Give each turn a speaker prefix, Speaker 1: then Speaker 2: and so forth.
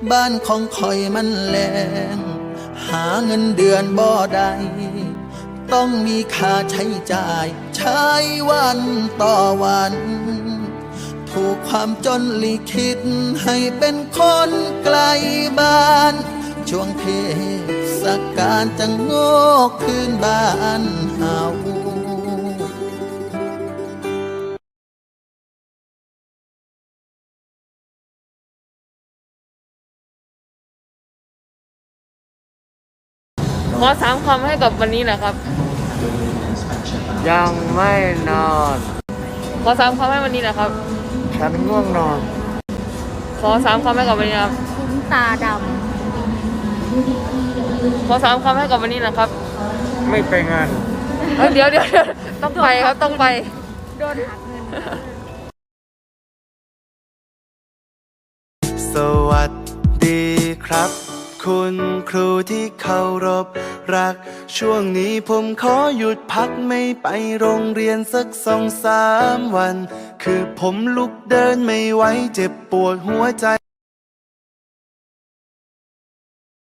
Speaker 1: บ้านของคอยมันแรงหาเงินเดือนบ่ได้ต้องมีค่าใช้จ่ายใช้วันต่อวันถูกความจนลิขิตให้เป็นคนไกลบ้านช่วงเทศกาลจะโง่คืนบ้านเฮา
Speaker 2: ขอ3 คำให้กับวันนี้นะครับ
Speaker 3: ยังไม่นอน
Speaker 2: ขอ3 คำให้วันนี้นะครับ
Speaker 3: ฉันง่วงนอน
Speaker 2: ขอ3 คำให้กับวันนี้นะครับ
Speaker 4: คุ้นตาด
Speaker 2: ขอ3 คำให้กับวันนี้นะครับ
Speaker 3: ไม่ไปงาน
Speaker 2: เดี๋ยวต้องไปครับต้องไป
Speaker 4: ำโดนหักเงิน
Speaker 5: สวัสดีครับ คุณครูที่เคารพรักช่วงนี้ผมขอหยุดพักไม่ไปโรงเรียนสัก2-3 วันคือผมลุกเดินไม่ไหวเจ็บปวดหัวใจ